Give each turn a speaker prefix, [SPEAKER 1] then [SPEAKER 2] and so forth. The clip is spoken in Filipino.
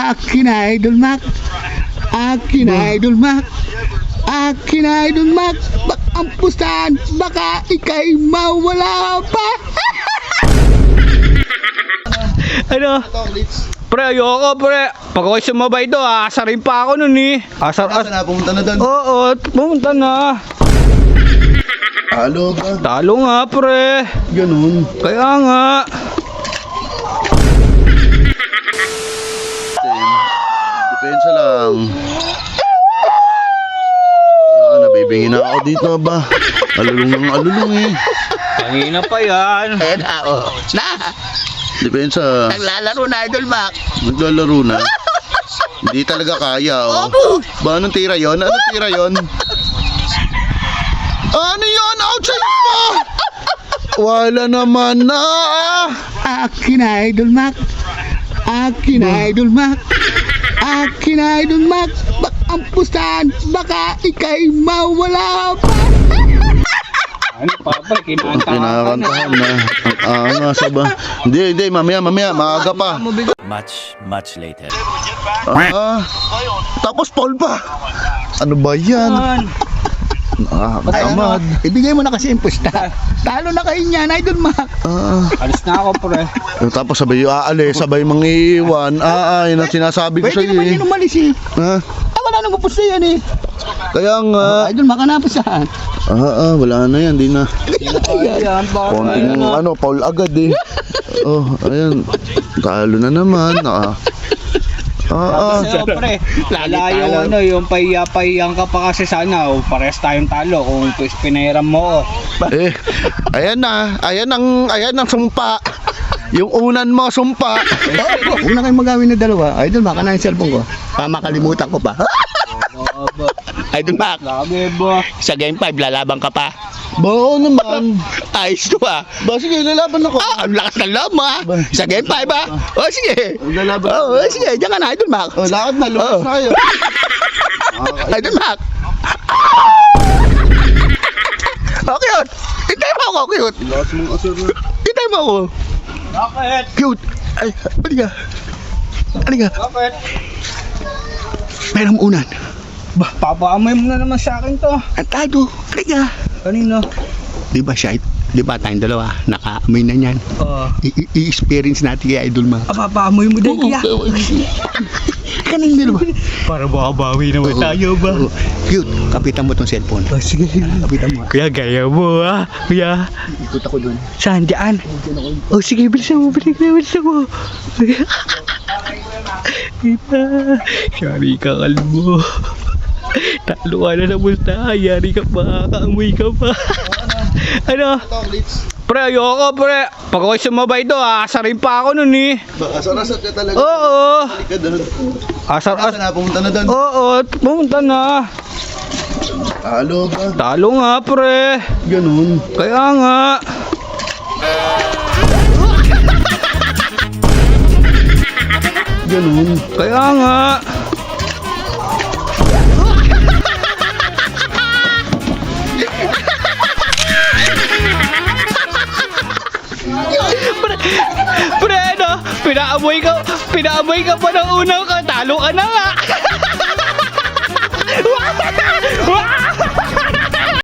[SPEAKER 1] Akin na Idol Mac. Akin na Idol Mac. Akin na Idol Mac. Ang pustahan, baka ikay mawala pa.
[SPEAKER 2] Ano? Pre, ayoko pre. Pag ako'y sumabay do, aasarin pa ako nun eh.
[SPEAKER 3] Saan na? Pumunta na doon.
[SPEAKER 2] Oo, pumunta na.
[SPEAKER 3] Talo ba?
[SPEAKER 2] Talo nga pre.
[SPEAKER 3] Ganun.
[SPEAKER 2] Kaya nga.
[SPEAKER 3] Depensa lang. Nabibingin na ako dito ba? Alulong ng alulong eh.
[SPEAKER 2] Kanina pa yan.
[SPEAKER 1] Ayan na, oh. Na,
[SPEAKER 3] Depensa.
[SPEAKER 1] naglalaro na Idol Mac.
[SPEAKER 3] Naglalaro na. Hindi talaga kaya oh. Ba anong tira yon? Anong tira yon? Ano yon? Outside mo! Wala naman na.
[SPEAKER 1] Akin na Idol Mac. Akin na Idol Mac. Akin na Idol Mac. Ang pustahan, baka ikay mawala pa.
[SPEAKER 2] Ano pa ba?
[SPEAKER 3] Kinakantahan na. Nasa ba? Hindi, mamaya, maaga pa.
[SPEAKER 4] Much later.
[SPEAKER 3] Tapos Paul pa. Ano ba yan? Nakakatamad.
[SPEAKER 1] Ibigay mo na kasi yung pusta. Talo na kayo niyan, Idol Mac.
[SPEAKER 2] Alis na ako pre.
[SPEAKER 3] Tapos sabay aalis, sabay mangiiwan. Yun ang sinasabi ko
[SPEAKER 1] Pwede
[SPEAKER 3] sa'yo
[SPEAKER 1] naman
[SPEAKER 3] eh.
[SPEAKER 1] yun umalis eh.
[SPEAKER 3] Ha?
[SPEAKER 1] Wala nang pusta yan eh.
[SPEAKER 3] Kaya nga.
[SPEAKER 1] Idol Mac, hanapos saan?
[SPEAKER 3] Wala na yan, di na.
[SPEAKER 2] Ayan,
[SPEAKER 3] Konting Paul agad eh. Ayan. Talo na naman.
[SPEAKER 2] Sa'yo pre, lalayo yung pahiya-pahiyang ka pa kasi sana pares tayong talo kung pinahiram mo.
[SPEAKER 3] Ayan ang sumpa. Yung unan mo sumpa.
[SPEAKER 1] Huwag na kayong magawin na dalawa. Idol Mac, ano yung cellphone ko? Makalimutan ko pa. Idol Mac,
[SPEAKER 2] Grabe ba?
[SPEAKER 1] sa game 5, lalaban ka pa.
[SPEAKER 3] Bao naman.
[SPEAKER 1] Ayos to ah.
[SPEAKER 3] Ba sige, lalaban ako.
[SPEAKER 1] Ang lakas ng loob mo ah. Sa game 5 ah. O sige.
[SPEAKER 3] Lalaban.
[SPEAKER 1] Sige, diyan ka na Idol Mac.
[SPEAKER 3] Lakad na, lumas na kayo.
[SPEAKER 1] Idol Mac. Okay yun. Hintay mo ako, cute.
[SPEAKER 3] Lakas mong asar na.
[SPEAKER 1] Hintay mo ako.
[SPEAKER 2] Bakit?
[SPEAKER 1] Cute. Ay, halika. Halika.
[SPEAKER 2] Bakit?
[SPEAKER 1] Merong unan.
[SPEAKER 2] Papaamoy mo na naman sa akin to.
[SPEAKER 1] Antado. Halika.
[SPEAKER 2] Kanino?
[SPEAKER 1] Di ba siya? Di ba tayong dalawa? Nakaamoy na niyan. I-experience natin kay Idol Mac.
[SPEAKER 2] Papaamoy mo din kaya.
[SPEAKER 1] Kanang dalawa.
[SPEAKER 2] Para makabawi naman tayo ba?
[SPEAKER 1] Cute. Kapitan mo tong cellphone.
[SPEAKER 2] Sige.
[SPEAKER 1] Kapitan mo.
[SPEAKER 2] Kuya, gaya mo kuya.
[SPEAKER 1] Ikot ako doon.
[SPEAKER 2] Saan? Diyan? Sige, bilisan mo. Bilisan mo. Kita. Yari ka, kalbo. Talo ka na sa pusta. Yari ka pa. Kaamoy ka pa. Ano? Pre, ayoko pre. Pag ako'y sumabay do, aasarin pa ako nun eh.
[SPEAKER 3] Asar-asar ka talaga.
[SPEAKER 2] Oo.
[SPEAKER 3] Halika doon.
[SPEAKER 2] Asar.
[SPEAKER 3] Saan na? Pumunta na doon.
[SPEAKER 2] Oo, pumunta na.
[SPEAKER 3] Talo ba?
[SPEAKER 2] Talo nga pre.
[SPEAKER 3] Ganun.
[SPEAKER 2] Kaya nga.
[SPEAKER 3] Ganun.
[SPEAKER 2] Kaya nga. Pre, ano? Pinaamoy ka pa ng unang ka. Talo ka na nga.